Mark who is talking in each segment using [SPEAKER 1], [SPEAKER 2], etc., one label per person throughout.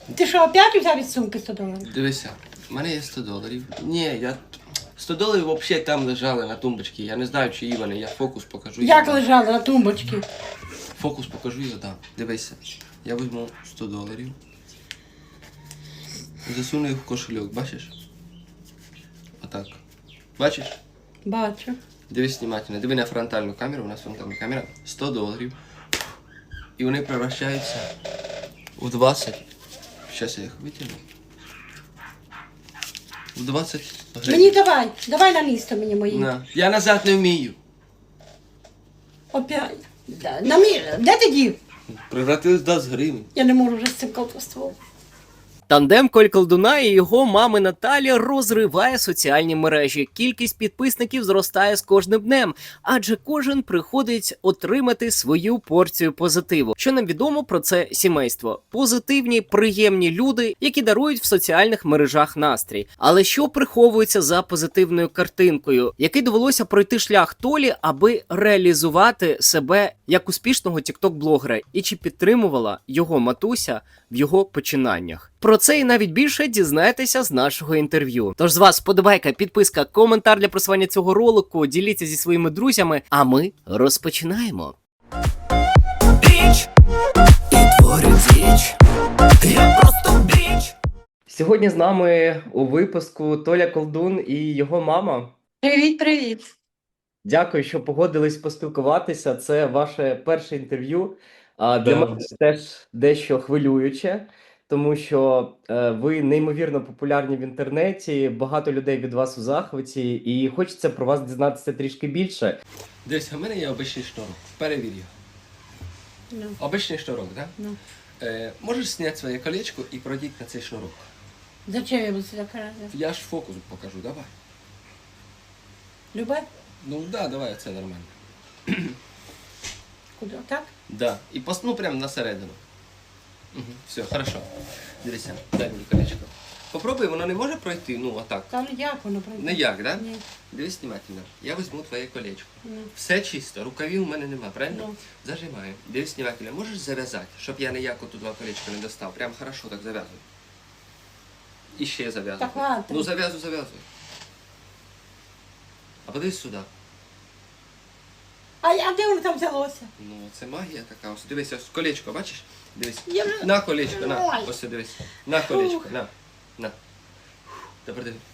[SPEAKER 1] Ти що, опять взяв із сумки 100 доларів?
[SPEAKER 2] Дивися, в мене є 100 доларів. Ні, я... 100 доларів взагалі там лежали на тумбочці. Я не знаю, чиї вони. Я фокус покажу. і
[SPEAKER 1] Як
[SPEAKER 2] дам.
[SPEAKER 1] лежали на тумбочці?
[SPEAKER 2] Фокус покажу і задам. Дивися. Я візьму 100 доларів. Засуну їх в кошельок, бачиш? Отак. Бачиш?
[SPEAKER 1] Бачу.
[SPEAKER 2] Дивись внимательно. Диви на фронтальну камеру, у нас фронтальна камера. 100 доларів. І вони превращаються в 20. Зараз я їх витягну. В 20 гривень.
[SPEAKER 1] Мені давай на місто мені мої.
[SPEAKER 2] На. Я назад не вмію.
[SPEAKER 1] Опять. Де ти дів?
[SPEAKER 2] Превратились в 20 гривень.
[SPEAKER 1] Я не можу вже з цим колдовством.
[SPEAKER 3] Тандем Кольколдуна і його мами Наталі розриває соціальні мережі. Кількість підписників зростає з кожним днем, адже кожен приходить отримати свою порцію позитиву. Що нам відомо про це сімейство? Позитивні, приємні люди, які дарують в соціальних мережах настрій. Але що приховується за позитивною картинкою, який довелося пройти шлях Толі, аби реалізувати себе як успішного тікток-блогера, і чи підтримувала його матуся в його починаннях? Про це і навіть більше дізнаєтеся з нашого інтерв'ю. Тож з вас вподобайка, підписка, коментар для просування цього ролику, діліться зі своїми друзями, а ми розпочинаємо. Біч! І творю діч. Я просто біч! Сьогодні з нами у випуску Толя Колдун і його мама.
[SPEAKER 1] Привіт.
[SPEAKER 3] Дякую, що погодились поспілкуватися. Це ваше перше інтерв'ю. А для мене це теж дещо хвилююче, тому що ви неймовірно популярні в інтернеті, багато людей від вас у захваті, і хочеться про вас дізнатися трішки більше.
[SPEAKER 2] Дивись, у мене є обичний шнурок. Перевір його.
[SPEAKER 1] Ну.
[SPEAKER 2] Обичний шнурок, так? Да?
[SPEAKER 1] Ну.
[SPEAKER 2] Можеш зняти своє колечко і пройдіть на цей шнурок.
[SPEAKER 1] Зачем я буду сюди карати?
[SPEAKER 2] Я ж фокус покажу, давай.
[SPEAKER 1] Любе?
[SPEAKER 2] Ну да, давай, це нормально.
[SPEAKER 1] Куди? Так?
[SPEAKER 2] Да. І ну прямо на середину. Угу. Все, хорошо. Дивися, дай мені колечко. Попробуй, воно не може пройти, ну отак.
[SPEAKER 1] Та ну як воно пройде?
[SPEAKER 2] Не як, да?
[SPEAKER 1] Ні.
[SPEAKER 2] Дивись внимательно. Я візьму твоє колечко.
[SPEAKER 1] Ну.
[SPEAKER 2] Все чисто, рукавів у мене нема, правильно?
[SPEAKER 1] Ну.
[SPEAKER 2] Зажимаю. Дивись внимательно. Можеш зав'язати, щоб я ніяко тут два колечка не достав. Прям хорошо так зав'язуй. І ще зав'язуй.
[SPEAKER 1] Так ладно.
[SPEAKER 2] Ну зав'язуй. А подивись сюди.
[SPEAKER 1] А де воно там взялося?
[SPEAKER 2] Ну, це магія така. Ось дивись, ось колечко, бачиш? Дивись.
[SPEAKER 1] Я вже-
[SPEAKER 2] На колечко, на.
[SPEAKER 1] Ой.
[SPEAKER 2] Ось дивись. На колечко,
[SPEAKER 1] Ух.
[SPEAKER 2] на. Тепер дивись.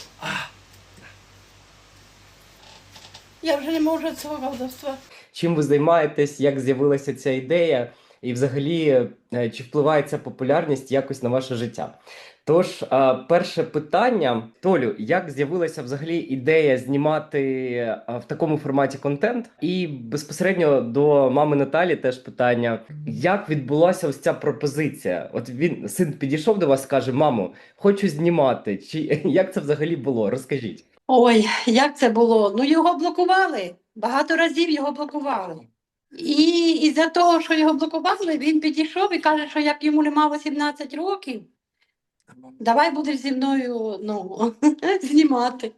[SPEAKER 1] Я вже не можу цього колдовства.
[SPEAKER 3] Чим ви займаєтесь, як з'явилася ця ідея, і взагалі, чи впливає ця популярність якось на ваше життя? Тож, перше питання, Толю, як з'явилася взагалі ідея знімати в такому форматі контент? І безпосередньо до мами Наталі теж питання, як відбулася ось ця пропозиція? От син підійшов до вас, каже: мамо, хочу знімати. Чи як це взагалі було? Розкажіть.
[SPEAKER 1] Ой, як це було? Ну його блокували. Багато разів його блокували. І із-за того, що його блокували, він підійшов і каже, що як йому нема 18 років, давай будеш зі мною знімати.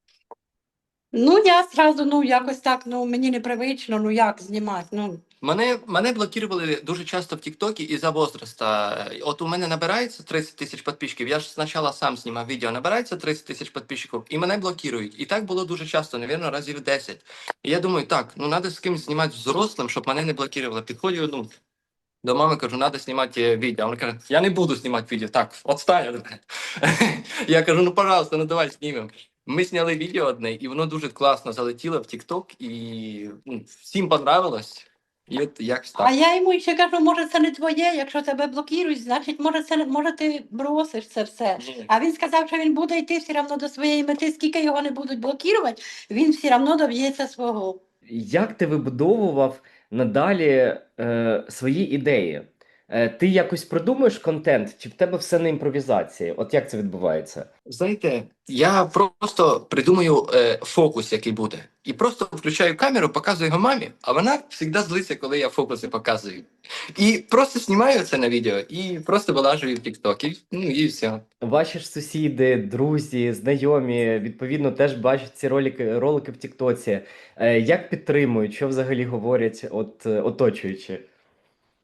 [SPEAKER 1] Ну, я зразу, якось так, мені непривично, як знімати.
[SPEAKER 2] Мене блокували дуже часто в Тіктокі із-за возраста. От у мене набирається 30 тисяч підписчиків. Я ж спочатку сам знімав відео, набирається 30 тисяч підписчиків, і мене блокують. І так було дуже часто, мабуть, разів 10. І я думаю, так, треба з кимось знімати взрослим, щоб мене не блокували. Підходжу, до мами кажу, треба знімати відео. Вона каже, я не буду знімати відео. Так, отстань від мене. Я кажу, пожалуйста, давай знімемо. Ми зняли відео одне, і воно дуже класно залетіло в TikTok, і всім понравилось. І от якось так.
[SPEAKER 1] А я йому ще кажу, може це не твоє, якщо тебе блокують, значить, може ти бросиш це все.
[SPEAKER 2] Ні.
[SPEAKER 1] А він сказав, що він буде йти все одно до своєї мети, скільки його не будуть блокувати, він все одно доб'ється свого.
[SPEAKER 3] Як ти вибудовував надалі свої ідеї? Ти якось продумуєш контент, чи в тебе все на імпровізації? От як це відбувається?
[SPEAKER 2] Знаєте, я просто придумаю фокус, який буде. І просто включаю камеру, показую його мамі, а вона завжди злиться, коли я фокуси показую. І просто знімаю це на відео і просто вилажую в TikTok. І все.
[SPEAKER 3] Ваші ж сусіди, друзі, знайомі, відповідно, теж бачать ці ролики в Тіктоці. Як підтримують, що взагалі говорять оточуючі?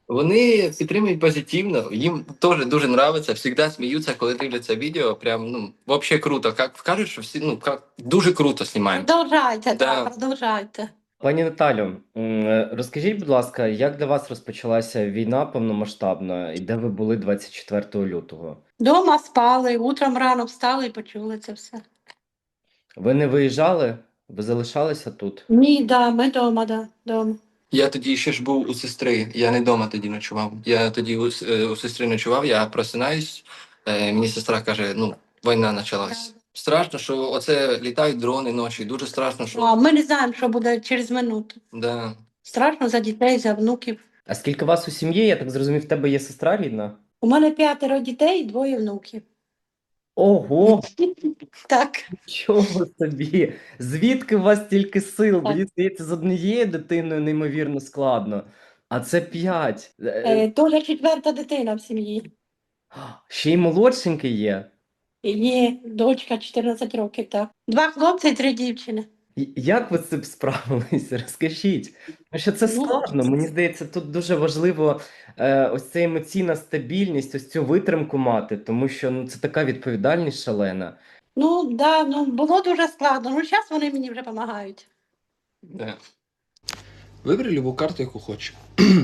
[SPEAKER 2] Вони підтримують позитивно, їм теж дуже подобається, завжди сміються, коли дивляться відео. Прям, ну, взагалі круто. Як кажуть, що всі, ну, дуже круто знімаємо.
[SPEAKER 1] Продовжайте,
[SPEAKER 2] Да.
[SPEAKER 1] так, продовжайте.
[SPEAKER 3] Пані Наталю, розкажіть, будь ласка, як для вас розпочалася війна повномасштабна і де ви були 24 лютого?
[SPEAKER 1] Дома спали, утром рано встали і почули це все.
[SPEAKER 3] Ви не виїжджали? Ви залишалися тут?
[SPEAKER 1] Ні, да, ми дома, да, дома.
[SPEAKER 2] Я тоді ще ж був у сестри, я не вдома тоді ночував. Я тоді у сестри ночував, я просинаюсь, мені сестра каже, ну, війна почалась. Страшно, що оце літають дрони ночі, дуже страшно, що.
[SPEAKER 1] А ми не знаємо, що буде через минуту.
[SPEAKER 2] Да.
[SPEAKER 1] Страшно за дітей, за внуків.
[SPEAKER 3] А скільки вас у сім'ї? Я так зрозумів, в тебе є сестра рідна?
[SPEAKER 1] У мене 5 дітей і 2 внуків.
[SPEAKER 3] Ого,
[SPEAKER 1] Так.
[SPEAKER 3] чого собі? Звідки у вас стільки сил? Мені здається, з однією дитиною неймовірно складно, а це 5.
[SPEAKER 1] Толя 4-та дитина в сім'ї.
[SPEAKER 3] Ще й молодшенький є.
[SPEAKER 1] І є дочка 14 років, так. 2 хлопці і 3 дівчини.
[SPEAKER 3] Як ви з цим справилися? Розкажіть. Тому що це
[SPEAKER 1] Ну,
[SPEAKER 3] складно. Мені здається, тут дуже важливо ось ця емоційна стабільність, ось цю витримку мати, тому що ну, це така відповідальність шалена.
[SPEAKER 1] Ну, да, ну, було дуже складно. Ну, зараз вони мені вже допомагають.
[SPEAKER 2] Да. Вибери любу карту, яку хочеш.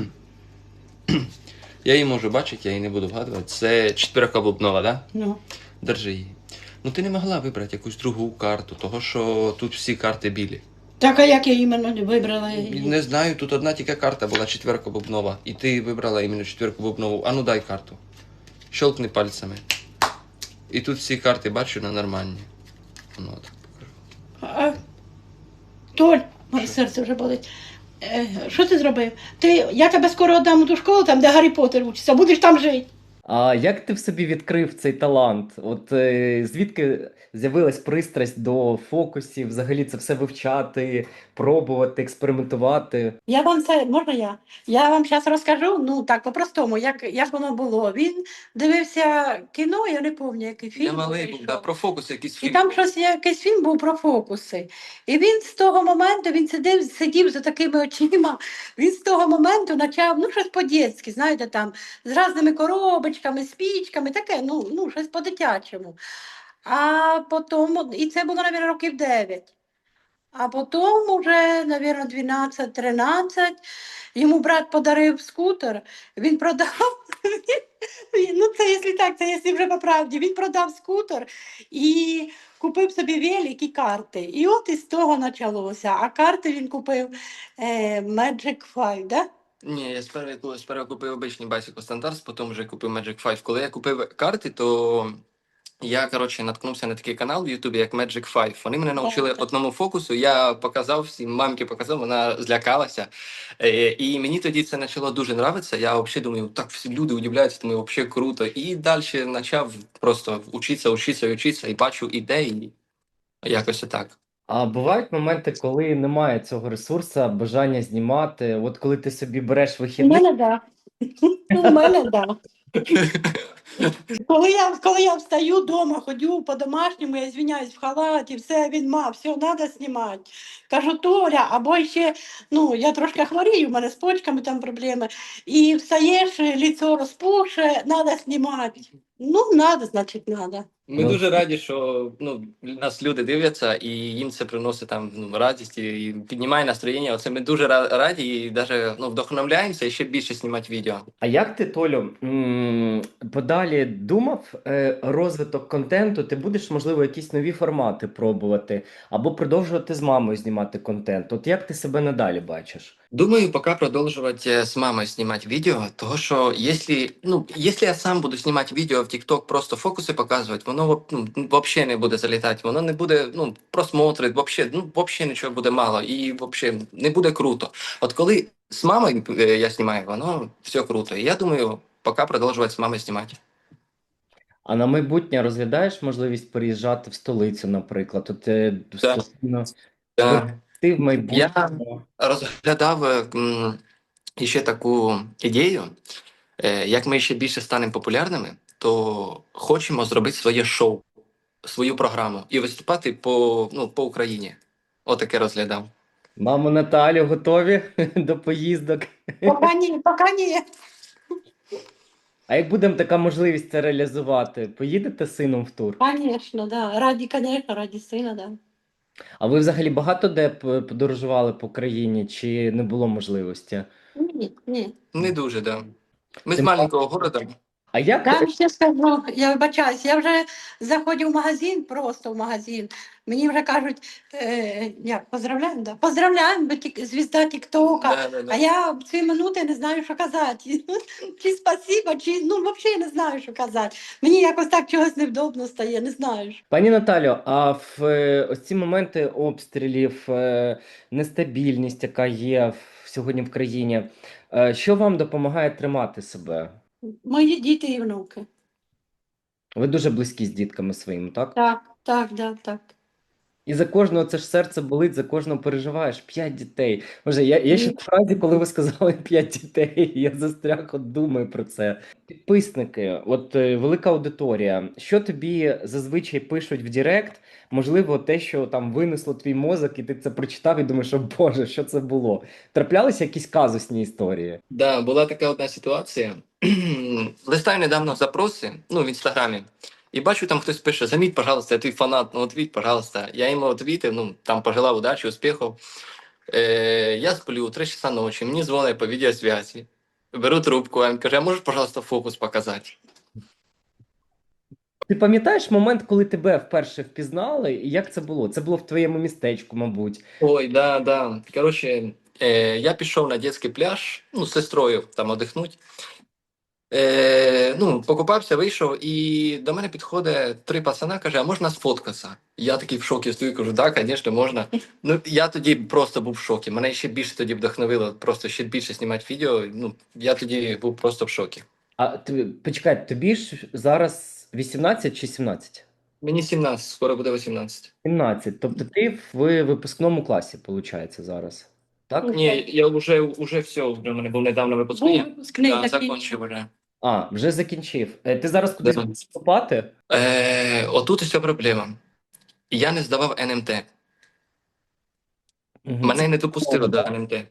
[SPEAKER 2] Я її можу бачити, я її не буду вгадувати. Це четвірка бубнова, да?
[SPEAKER 1] Ну.
[SPEAKER 2] Держи її. Ну ти не могла вибрати якусь другу карту, того що тут всі карти білі.
[SPEAKER 1] Так, а як я іменно вибрала її?
[SPEAKER 2] Не знаю, тут одна тільки карта була четвірка бубнова. І ти вибрала іменно четвірку бубнову. А ну дай карту. Щелкни пальцями. І тут всі карти бачу на нормальні. Ну, так покажу.
[SPEAKER 1] А, Толь, моє серце вже болить. Що ти зробив? Я тебе скоро віддам у ту школу, там, де Гаррі Поттер учиться, будеш там жити.
[SPEAKER 3] А як ти в собі відкрив цей талант? От звідки з'явилась пристрасть до фокусів, взагалі це все вивчати, пробувати, експериментувати?
[SPEAKER 1] Я вам це, можна я? Я вам зараз розкажу, ну так, по-простому, як воно було. Він дивився кіно, я не пам'ятаю, який фільм.
[SPEAKER 2] Я малий був,
[SPEAKER 1] вийшов.
[SPEAKER 2] да, про фокус якийсь
[SPEAKER 1] І
[SPEAKER 2] фільм.
[SPEAKER 1] там щось, якийсь фільм був про фокуси. І він з того моменту, він сидів за такими очима, він з того моменту почав, ну, щось по-дєцьки, знаєте, там, з різними коробочками, спічками, таке, ну, щось по-дитячому. А потім, і це було, мабуть, років 9. А потім уже, мабуть, 12-13, йому брат подарив скутер, він продав, ну це якщо так, це якщо вже по правді, він продав скутер і купив собі велик і карти. І от із того почалося. А карти він купив Magic 5, да?
[SPEAKER 2] Ні, я спершу купив обичний Bicycle Standards, потім вже купив Magic 5. Коли я купив карти, то я, коротше, наткнувся на такий канал в Ютубі, як Magic 5. Вони мене навчили
[SPEAKER 1] Так.
[SPEAKER 2] одному фокусу, я показав всім, мамці показав, вона злякалася. І мені тоді це почало дуже подобатися. Я взагалі думаю, так всі люди удивляються, думаю, взагалі круто. І далі почав просто вчитися, і бачу ідеї. Якось отак.
[SPEAKER 3] А бувають моменти, коли немає цього ресурсу, бажання знімати. От коли ти собі береш
[SPEAKER 1] У
[SPEAKER 3] вихідний,
[SPEAKER 1] мене да. У мене да. Коли я встаю вдома, ходю по-домашньому, я звиняюсь в халаті, все, він все, треба знімати. Кажу, Толя, або ще, ну, я трошки хворію, у мене з почками там проблеми, і встаєш, лицо розпухше, треба знімати. Ну, треба, значить, треба.
[SPEAKER 2] Ми
[SPEAKER 3] Ну.
[SPEAKER 2] дуже раді, що нас люди дивляться, і їм це приносить там радість і піднімає настроєння. Оце ми дуже раді і навіть вдохновляємося і ще більше знімати відео.
[SPEAKER 3] А як ти, Толю, подалі думав розвиток контенту? Ти будеш, можливо, якісь нові формати пробувати або продовжувати з мамою знімати контент? От як ти себе надалі бачиш?
[SPEAKER 2] Думаю, пока продолжать с мамой снимать видео, того что если я сам буду снимать видео в TikTok, просто фокуси показувати, воно вообще не буде залітати, воно не буде просмотри, вообще нічого буде мало і вообще не буде круто. От коли з мамою я знімаю, воно все круто. І я думаю, пока продовжувати з мамою знімати.
[SPEAKER 3] А на майбутнє розглядаєш можливість переїжджати в столицю, наприклад? От
[SPEAKER 2] Да.
[SPEAKER 3] постійно
[SPEAKER 2] Да.
[SPEAKER 3] ти в майбутньому.
[SPEAKER 2] Розглядав ще таку ідею, як ми ще більше станемо популярними, то хочемо зробити своє шоу, свою програму і виступати по Україні. Отаке розглядав.
[SPEAKER 3] Мамо Наталю, готові до поїздок?
[SPEAKER 1] Поки ні, поки ні.
[SPEAKER 4] А як буде така можливість це реалізувати, поїдете з сином в тур?
[SPEAKER 1] Звісно, да. Конечно, раді сина, да.
[SPEAKER 4] А ви взагалі багато де подорожували по країні, чи не було можливості?
[SPEAKER 1] Ні, ні.
[SPEAKER 2] Не дуже, да. Ми з
[SPEAKER 4] Тим
[SPEAKER 2] маленького города.
[SPEAKER 4] А як
[SPEAKER 1] Я вам ще скажу, я вибачаюсь, я вже заходжу в магазин, просто в магазин. Мені вже кажуть, як, поздравляємо, да? Поздравляємо, бо звізда Тіктока.
[SPEAKER 2] Да, да, да.
[SPEAKER 1] А я в ці минути не знаю, що казати. Чи спасибо, чи ну взагалі не знаю, що казати. Мені якось так чогось невдобно стає, не знаю.
[SPEAKER 4] Пані Наталю, а в ось ці моменти обстрілів, нестабільність, яка є сьогодні в країні, що вам допомагає тримати себе?
[SPEAKER 1] Мої діти і внуки.
[SPEAKER 4] Ви дуже близькі з дітками своїми, так?
[SPEAKER 1] Так, да, так.
[SPEAKER 4] І за кожного це ж серце болить, за кожного переживаєш. 5 дітей. Може, я ще в фразі, коли ви сказали 5 дітей, я застряг, от думаю про це. Підписники, от велика аудиторія. Що тобі зазвичай пишуть в Директ? Можливо, те, що там винесло твій мозок, і ти це прочитав і думаєш, о Боже, що це було? Траплялися якісь казусні історії?
[SPEAKER 2] Да, була така одна ситуація. Листаю недавно запроси, ну, в інстаграмі, і бачу, там хтось пише: заміть, пожалуйста, я твій фанат, ну, ответь, пожалуйста. Я йому отвітив, ну, там пожелав удачі, успіхів. Я сплю 3 часа ночі, мені дзвонять по відеосвязі. Беру трубку, а він каже: а можеш, пожалуйста, фокус показати?
[SPEAKER 4] Ти пам'ятаєш момент, коли тебе вперше впізнали, і як це було? Це було в твоєму містечку, мабуть.
[SPEAKER 2] Ой, да, да. Коротше, я пішов на дитячий пляж, ну, з сестрою там одихнуть. Ну, покупався, вийшов, і до мене підходить 3 пацана, каже: а можна сфоткатися? Я такий в шокі стою, кажу: так, звісно, можна. Ну, я тоді просто був в шокі. Мене ще більше тоді вдохновило, просто ще більше знімати відео. Ну, я тоді був просто в шокі.
[SPEAKER 4] А почекай, тобі ж зараз 18 чи 17?
[SPEAKER 2] Мені 17, скоро буде 18.
[SPEAKER 4] 17. Тобто ти в випускному класі, виходить, зараз. Так?
[SPEAKER 2] Ні, я вже все, у мене був недавно
[SPEAKER 1] Був
[SPEAKER 2] випускний.
[SPEAKER 1] випускний
[SPEAKER 2] Я
[SPEAKER 1] такий.
[SPEAKER 2] закінчив вже.
[SPEAKER 4] А, вже закінчив. Ти зараз кудись
[SPEAKER 2] Да.
[SPEAKER 4] будеш вступати?
[SPEAKER 2] Отут і вся проблема. Я не здавав НМТ.
[SPEAKER 4] Мгм.
[SPEAKER 2] Мене не допустили до
[SPEAKER 4] добре.
[SPEAKER 2] НМТ.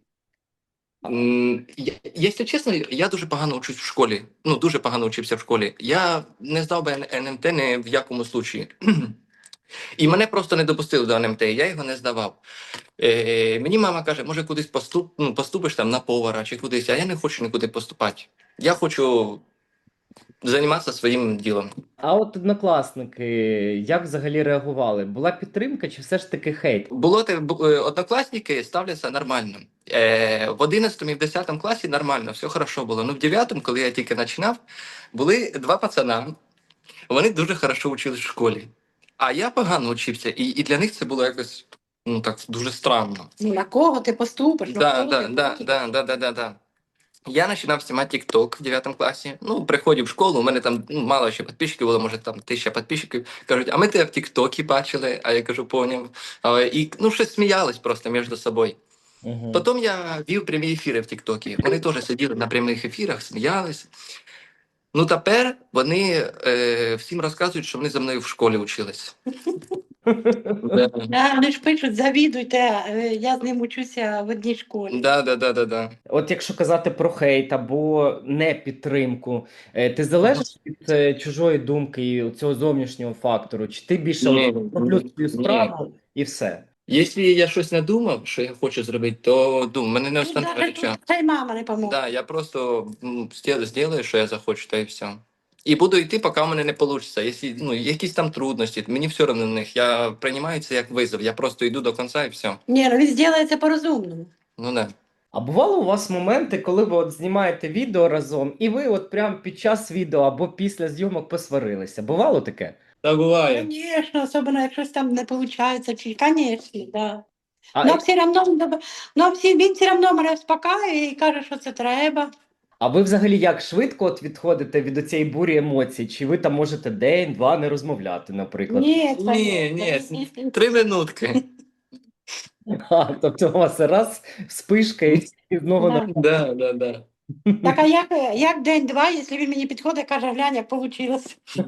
[SPEAKER 2] Якщо чесно, я дуже погано учусь в школі. Ну, дуже погано учився в школі. Я не здав би НМТ ні в якому случаї. І мене просто не допустили до НМТ, я його не здавав. Мені мама каже: може, кудись поступиш там на повара чи кудись, а я не хочу нікуди поступати. Я хочу займатися своїм ділом.
[SPEAKER 4] А от однокласники, як взагалі реагували? Була підтримка чи все ж таки хейт?
[SPEAKER 2] Однокласники ставляться нормально. В 11 і в 10 класі нормально, все хорошо було. Ну, в 9, коли я тільки починав, були 2 пацана, вони дуже хорошо вчились в школі. А я погано вчився, і для них це було якось, ну, так, дуже странно.
[SPEAKER 1] Ну, на кого ти поступиш? на
[SPEAKER 2] Да,
[SPEAKER 1] кого
[SPEAKER 2] да,
[SPEAKER 1] ти
[SPEAKER 2] да,
[SPEAKER 1] поступиш?
[SPEAKER 2] да. Я починав знімати TikTok в 9 класі. Ну, приходив в школу, у мене там мало ще підписчиків було, може там 1000 підписчиків. Кажуть: а ми тебе в TikTok бачили, а я кажу: поняв. І ну, щось сміялись просто між собою.
[SPEAKER 4] Угу.
[SPEAKER 2] Потім я вів прямі ефіри в TikTok. Вони теж сиділи на прямих ефірах, сміялись. Ну, тепер вони всім розказують, що вони за мною в школі вчились.
[SPEAKER 1] Вони ж пишуть, завідуйте, я з ним учуся в одній школі.
[SPEAKER 2] Да.
[SPEAKER 4] От якщо казати про хейт або не підтримку, ти залежиш від чужої думки і цього зовнішнього фактору? Чи ти більше
[SPEAKER 2] Ні,
[SPEAKER 4] роблю свою
[SPEAKER 2] ні.
[SPEAKER 4] справу і все?
[SPEAKER 2] Якщо я щось надумав, що я хочу зробити, то мене не
[SPEAKER 1] Ну,
[SPEAKER 2] остановить
[SPEAKER 1] навіть
[SPEAKER 2] нічого.
[SPEAKER 1] та й мама не поможе.
[SPEAKER 2] Да, я просто зроблю, що я захочу, та і все. І буду йти, поки в мене не вийде. Якщо якісь там трудності, мені все одно на них. Я приймаю це як визов. Я просто йду до кінця і все.
[SPEAKER 1] Ні, ну він зробиться по-розумному.
[SPEAKER 2] Ну да.
[SPEAKER 4] А бувало у вас моменти, коли ви от знімаєте відео разом, і ви от прямо під час відео або після зйомок посварилися? Бувало таке?
[SPEAKER 2] Так буває.
[SPEAKER 1] Звісно, особливо, якщо там не виходить, чи, звісно, да.
[SPEAKER 4] А,
[SPEAKER 1] Ну, все одно, він все одно мене успокаює і каже, що це треба.
[SPEAKER 4] а ви взагалі як швидко от відходите від цієї бурі емоцій? Чи ви там можете день-два не розмовляти, наприклад?
[SPEAKER 1] Ні,
[SPEAKER 2] Ні. 3 минутки.
[SPEAKER 4] А, тобто у вас раз вспишка і знову
[SPEAKER 1] Да.
[SPEAKER 2] Да.
[SPEAKER 1] Так, а як день-два, якщо він мені підходить, каже: глянь, як вийшло.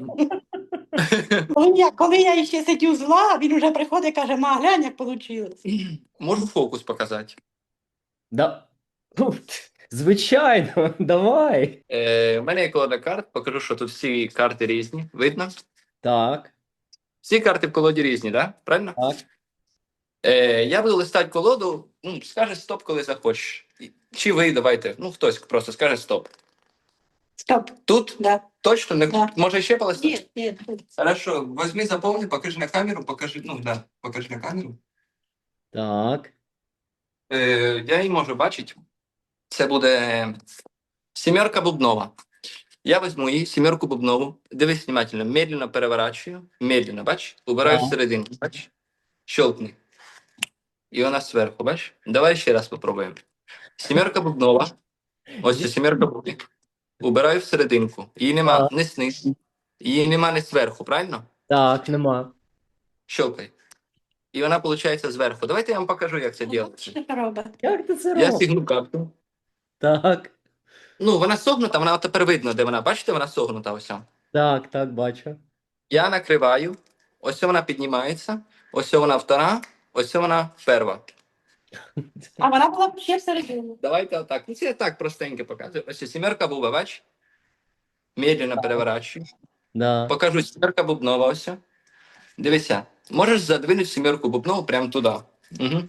[SPEAKER 1] Коли я ще сидю зла, він вже приходить і каже: ма, глянь, як вийшло.
[SPEAKER 2] Можу фокус показати.
[SPEAKER 4] Да. Ну, Звичайно, давай.
[SPEAKER 2] У мене є колода карт, покажу, що тут всі карти різні. Видно?
[SPEAKER 4] Так,
[SPEAKER 2] Всі карти в колоді різні, да? Правильно?
[SPEAKER 4] так.
[SPEAKER 2] Я буду листати колоду, скаже стоп, коли захочеш. Чи ви, давайте, хтось просто скаже стоп.
[SPEAKER 1] Стоп.
[SPEAKER 2] Тут
[SPEAKER 1] Да.
[SPEAKER 2] точно не
[SPEAKER 1] Да.
[SPEAKER 2] може ще полистати?
[SPEAKER 1] Ні.
[SPEAKER 2] Хорошо, возьми, заповни, покажи на камеру, покажи на камеру.
[SPEAKER 4] Так.
[SPEAKER 2] Я її можу бачити. Це буде сімерка бубнова. Я візьму її, сімерку бубнову, дивись внимательно, медленно переворачую, медленно, бач, убираю
[SPEAKER 4] Так.
[SPEAKER 2] всередину, бач, щелкни. І вона зверху, бач. Давай ще раз попробуємо. Сімерка бубнова, ось ця сімерка бубнова. Убираю всерединку. Її нема
[SPEAKER 4] Так.
[SPEAKER 2] не знизу, її нема не зверху, правильно?
[SPEAKER 4] Так, нема.
[SPEAKER 2] Щелкай. І вона, виходить, зверху. Давайте я вам покажу, як це робиться.
[SPEAKER 1] Що це робить?
[SPEAKER 4] Як ти це
[SPEAKER 2] Я
[SPEAKER 4] робиш?
[SPEAKER 2] сігну карту.
[SPEAKER 4] Так,
[SPEAKER 2] Вона согнута, вона тепер видно, де вона. Бачите, вона согнута ось.
[SPEAKER 4] так, бачу.
[SPEAKER 2] Я накриваю, ось вона піднімається, ось вона втора, ось вона перша.
[SPEAKER 1] А вона була ще всередині.
[SPEAKER 2] Давайте отак. Це я так простенько показую. Ось сімерка буба, бач? Медленно переворачую.
[SPEAKER 4] Да.
[SPEAKER 2] Покажу сімерка бубнова ось. Дивися, можеш задвинути сімерку бубнову прямо туди. Угу.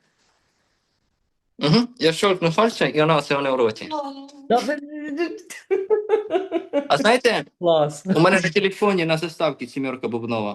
[SPEAKER 2] Я щелкну пальцем, і вона ось в роті.
[SPEAKER 4] Да,
[SPEAKER 2] А знаєте,
[SPEAKER 4] Клас.
[SPEAKER 2] у мене на телефоні на заставці сімерка бубнова.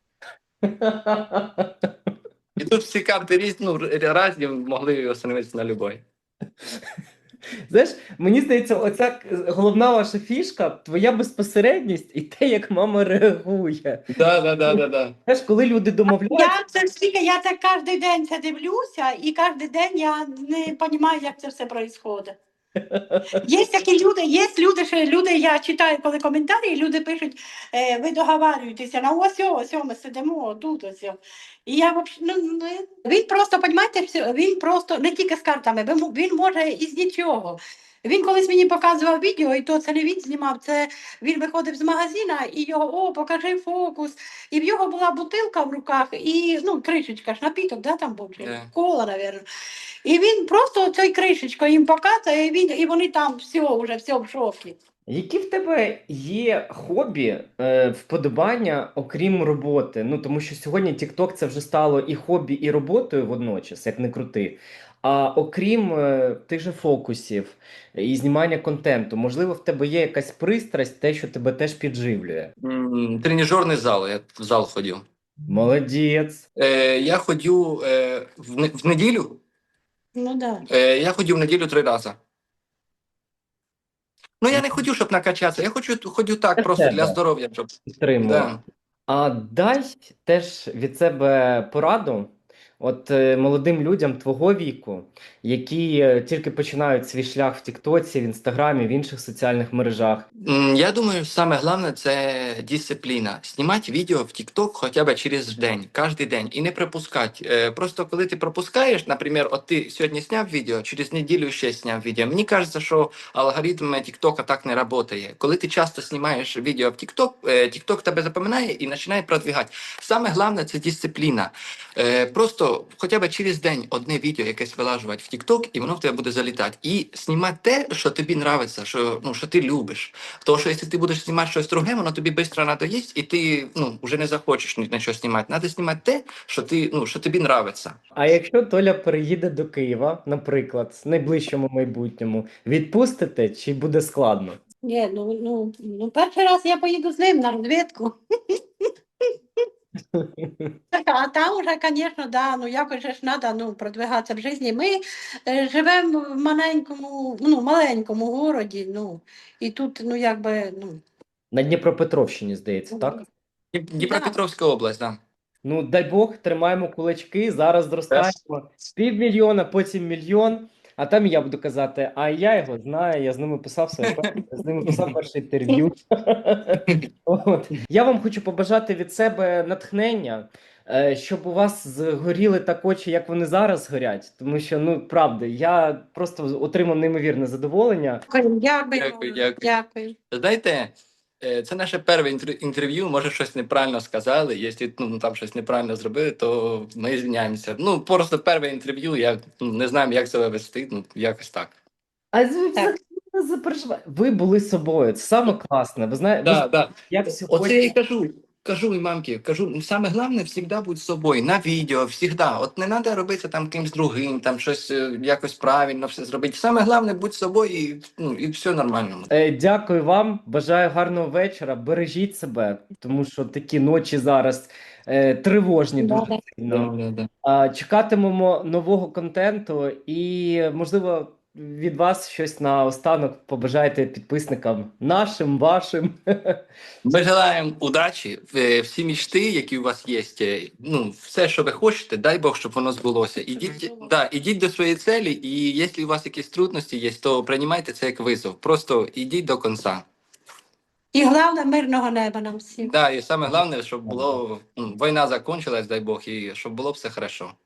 [SPEAKER 2] І тут всі карти різні, різні, могли остановитися на любой.
[SPEAKER 4] Знаєш, мені здається, оця головна ваша фішка, твоя безпосередність і те, як мама реагує.
[SPEAKER 2] Да.
[SPEAKER 4] Знаєш, коли люди домовляються,
[SPEAKER 1] Я це кожен день це дивлюся, і кожен день я не розумію, як це все відбувається. Є такі люди, я читаю, коли коментарі, люди пишуть, ви договарюєтеся, ось ми сидимо, тут ось. І я він просто, розумієте, він просто не тільки з картами, він може із нічого. Він колись мені показував відео, і то це не він знімав, це він виходив з магазина, і його, покажи фокус. І в його була бутилка в руках, і, кришечка ж, напіток, да, там був, чи кола, мабуть. І він просто цією кришечкою їм показує, і вони там все в шокі.
[SPEAKER 4] які в тебе є хобі, вподобання, окрім роботи? Ну, тому що сьогодні TikTok це вже стало і хобі, і роботою водночас, як не крути. А окрім тих же фокусів і знімання контенту, можливо, в тебе є якась пристрасть, те, що тебе теж підживлює?
[SPEAKER 2] Тренажерний зал, я в зал ходив.
[SPEAKER 4] Молодець.
[SPEAKER 2] Я ходив в неділю,
[SPEAKER 1] Ну да.
[SPEAKER 2] я ходив в неділю 3 рази. Я не хотів, щоб накачатися, я ходю так,
[SPEAKER 4] Для
[SPEAKER 2] просто для
[SPEAKER 4] себе.
[SPEAKER 2] здоров'я. Щоб...
[SPEAKER 4] Підтримую.
[SPEAKER 2] Да.
[SPEAKER 4] А дай теж від себе пораду молодим людям твого віку, які тільки починають свій шлях в Тіктоці, в Інстаграмі, в інших соціальних мережах.
[SPEAKER 2] Я думаю, саме головне це дисципліна. Знімати відео в TikTok хоча б через день, кожен день, і не пропускати. Просто коли ти пропускаєш, наприклад, от ти сьогодні зняв відео, через неділю ще зняв відео. Мені кажеться, що алгоритм TikTok так не працює. Коли ти часто знімаєш відео в TikTok, TikTok тебе запам'ятає і починає продвигати. Саме головне це дисципліна. Просто хоча б через день одне відео якесь вилажувати в TikTok, і воно в тебе буде залітати. І знімати те, що тобі подобається, що ти любиш. Тому що якщо ти будеш знімати щось друге, воно тобі швидко надоїсть, і ти вже не захочеш на що знімати. Треба знімати те, що тобі подобається.
[SPEAKER 4] А якщо Толя переїде до Києва, наприклад, в найближчому майбутньому, відпустите чи буде складно?
[SPEAKER 1] Ні, перший раз я поїду з ним на розвідку. А там уже, звісно, да, якось же ж треба продвигатися в житті. Ми живемо в маленькому городі, і тут,
[SPEAKER 4] На Дніпропетровщині, здається, так?
[SPEAKER 2] Дніпропетровська область, так. Да.
[SPEAKER 4] Ну, дай Бог, тримаємо кулачки, зараз зростаємо. 500 000, потім 1 000 000, а там я буду казати, а я його знаю, я з ними писав перше інтерв'ю. Я вам хочу побажати від себе натхнення, щоб у вас згоріли так очі, як вони зараз горять. Тому що, правда, я просто отримав неймовірне задоволення.
[SPEAKER 1] Дякую.
[SPEAKER 2] Знаєте, це наше перше інтерв'ю, може щось неправильно сказали, якщо там щось неправильно зробили, то ми звиняємося. Просто перше інтерв'ю, я не знаю, як себе вести, якось так.
[SPEAKER 4] А ви взагалі не запереживайте. Ви були собою. Це саме класне. Ви знаєте,
[SPEAKER 2] Да, да.
[SPEAKER 4] я
[SPEAKER 2] Оце я
[SPEAKER 4] сьогодні...
[SPEAKER 2] і кажу і мамки, кажу, саме головне завжди будь собою, на відео, завжди. От не треба робити там кимсь другим, там щось якось правильно все зробити. Саме головне будь собою і, ну, і все нормально.
[SPEAKER 4] Дякую вам, бажаю гарного вечора. Бережіть себе, тому що такі ночі зараз тривожні дуже
[SPEAKER 1] Да.
[SPEAKER 4] сильно.
[SPEAKER 2] Да, да.
[SPEAKER 4] Чекатимемо нового контенту і, можливо, від вас щось наостанок побажайте підписникам нашим, вашим.
[SPEAKER 2] Ми желаємо удачі, всі мечти, які у вас є, ну, все, що ви хочете, дай Бог, щоб воно збулося. Ідіть до своєї цілі, і якщо у вас якісь трудності є, то приймайте це як визов. Просто ідіть до кінця.
[SPEAKER 1] І головне, мирного неба нам всім.
[SPEAKER 2] Да, і саме головне, щоб було, війна закінчилась, дай Бог, і щоб було все хорошо.